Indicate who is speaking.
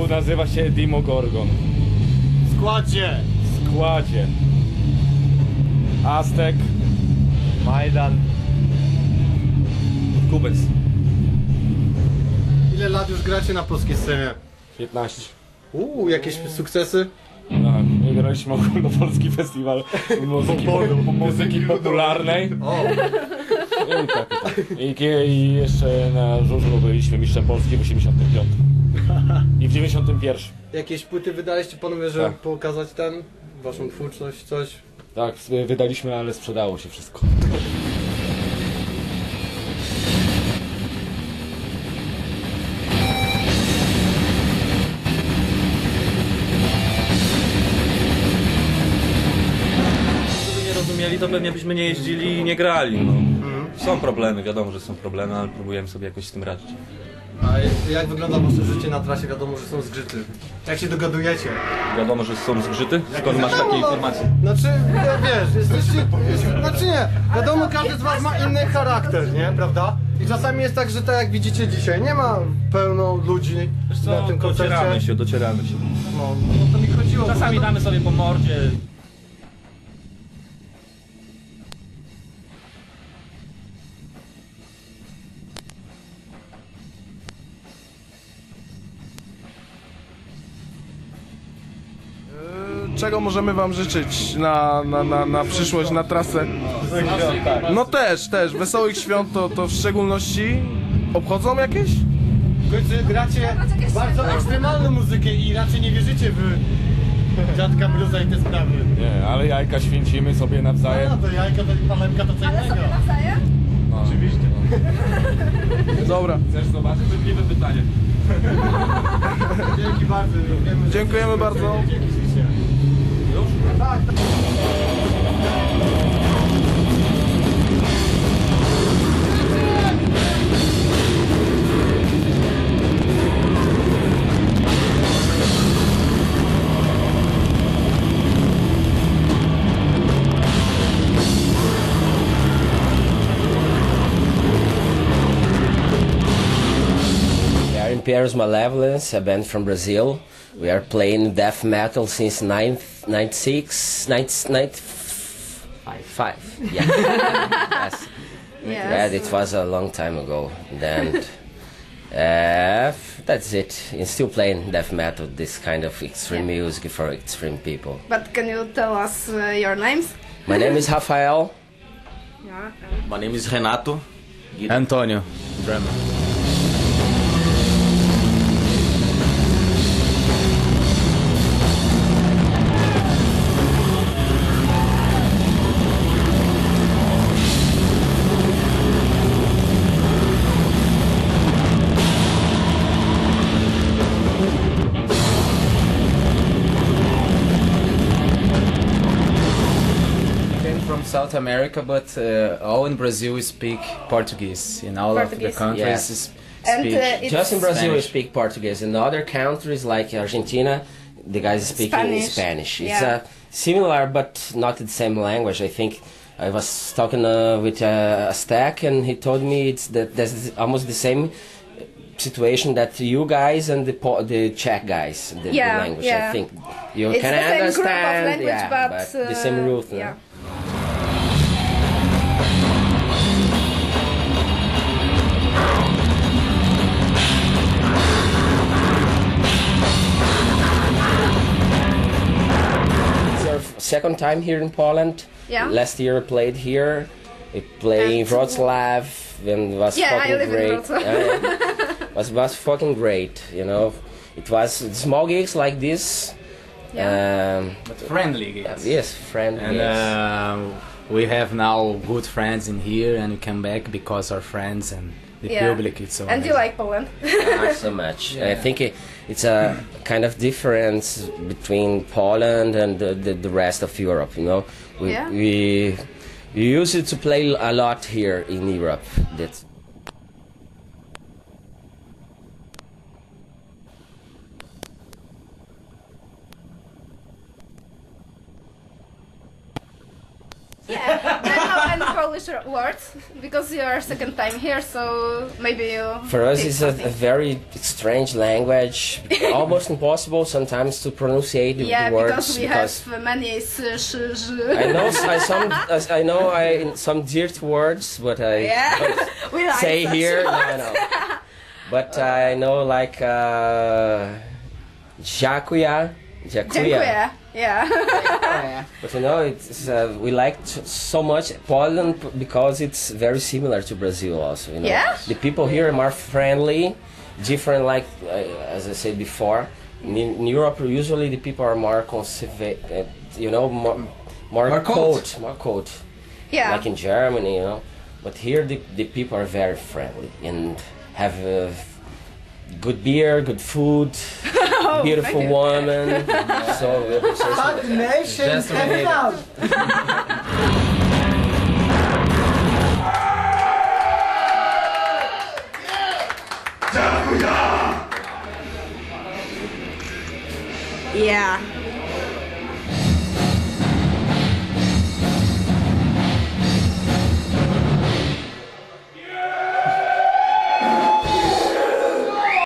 Speaker 1: zespół nazywa się Demogorgon.
Speaker 2: W
Speaker 1: składzie. Aztek, Majdan, Kubek.
Speaker 2: Ile lat już gracie na polskiej scenie?
Speaker 1: 15.
Speaker 2: Jakieś sukcesy?
Speaker 1: Tak, graliśmy ogólnopolski festiwal muzyki popularnej. I jeszcze na żużlu byliśmy mistrzem Polski w 85. I w 91.
Speaker 2: Jakieś płyty wydaliście panowie, żeby pokazać waszą twórczość, coś?
Speaker 1: Tak, wydaliśmy, ale sprzedało się wszystko.
Speaker 3: Gdyby nie rozumieli, to pewnie byśmy nie jeździli i nie grali. No. Są problemy, wiadomo, że są problemy, ale próbujemy sobie jakoś z tym radzić.
Speaker 2: A jak wygląda wasze życie na trasie? Wiadomo, że są zgrzyty. Jak się dogadujecie?
Speaker 3: Wiadomo, że są zgrzyty? Skąd masz takie informacje?
Speaker 2: Znaczy, wiesz, jesteście... Znaczy nie, wiadomo, każdy z was ma inny charakter, nie? Prawda? I czasami jest tak, że tak jak widzicie dzisiaj, nie ma pełno ludzi na tym koncercie.
Speaker 3: Docieramy się.
Speaker 2: No to mi chodziło.
Speaker 3: Czasami damy sobie po mordzie.
Speaker 4: Czego możemy wam życzyć na przyszłość, na trasę? No też, wesołych świąt to w szczególności obchodzą jakieś?
Speaker 2: W końcu gracie bardzo ekstremalną muzykę i raczej nie wierzycie w dziadka bluza i te sprawy.
Speaker 1: Nie, ale jajka święcimy sobie nawzajem.
Speaker 2: No to jajka, to palemka to co innego.
Speaker 5: Ale sobie nawzajem?
Speaker 1: No, oczywiście.
Speaker 4: Dobra.
Speaker 1: Chcesz zobaczyć? Wydliwe pytanie.
Speaker 2: Dzięki bardzo. Wiemy,
Speaker 4: Dziękujemy bardzo.
Speaker 2: Dzięki ślicznie.
Speaker 1: Już?
Speaker 2: Tak.
Speaker 6: Imperious Malevolence, a band from Brazil. We are playing death metal since 96, 95. Yeah. Yes. Yeah, it was a long time ago. Then that's it. And still playing death metal, this kind of extreme music for extreme people.
Speaker 5: But can you tell us your names?
Speaker 6: My name is Rafael.
Speaker 5: Yeah.
Speaker 7: My name is Renato.
Speaker 3: Antonio, drummer.
Speaker 8: South America, but all in Brazil speak Portuguese. In all of the countries speak
Speaker 6: just in Brazil we
Speaker 8: Spanish.
Speaker 6: speak Portuguese. In other countries like Argentina, the guys speak Spanish. It's similar but not the same language. I think I was talking with Aztec and he told me there's almost the same situation that you guys and the Czech guys, the language. I think you
Speaker 5: it's
Speaker 6: can
Speaker 5: the same
Speaker 6: understand,
Speaker 5: group of language,
Speaker 6: but the same root.
Speaker 5: Yeah.
Speaker 6: Second time here in Poland.
Speaker 5: Yeah.
Speaker 6: Last year I played here. I played in Wrocław and it was fucking great. Was fucking great, you know. It was small gigs like this.
Speaker 8: But friendly gigs.
Speaker 6: Yes, friendly.
Speaker 8: And we have now good friends in here, and we come back because our friends and the public. It's so
Speaker 5: and
Speaker 8: amazing.
Speaker 5: you like Poland?
Speaker 6: Not so much. I think it's a kind of difference between Poland and the rest of Europe. You know, we used to play a lot here in Europe. That's
Speaker 5: Yeah, metal and Polish words because you are second time here, so maybe you.
Speaker 6: For us,
Speaker 5: teach
Speaker 6: it's a
Speaker 5: something.
Speaker 6: very strange language, almost impossible sometimes to pronunciate the
Speaker 5: Yeah,
Speaker 6: words.
Speaker 5: because we have many
Speaker 6: I know some dirt words, but I
Speaker 5: Yeah,
Speaker 6: don't
Speaker 5: we like
Speaker 6: say
Speaker 5: such
Speaker 6: here.
Speaker 5: words.
Speaker 6: No. But I know like Jacuya.
Speaker 5: Dziękuję. Yeah.
Speaker 6: But you know, it's we like so much Poland because it's very similar to Brazil also. You know,
Speaker 5: Yeah?
Speaker 6: the people here are more friendly, different. Like as I said before, in Europe usually the people are more conservative. You know, more cold, more cold.
Speaker 5: Yeah.
Speaker 6: Like in Germany, you know. But here the people are very friendly and have good beer, good food, beautiful
Speaker 5: thank you.
Speaker 6: woman. So
Speaker 2: Nation
Speaker 8: Just a minute.
Speaker 5: Yeah.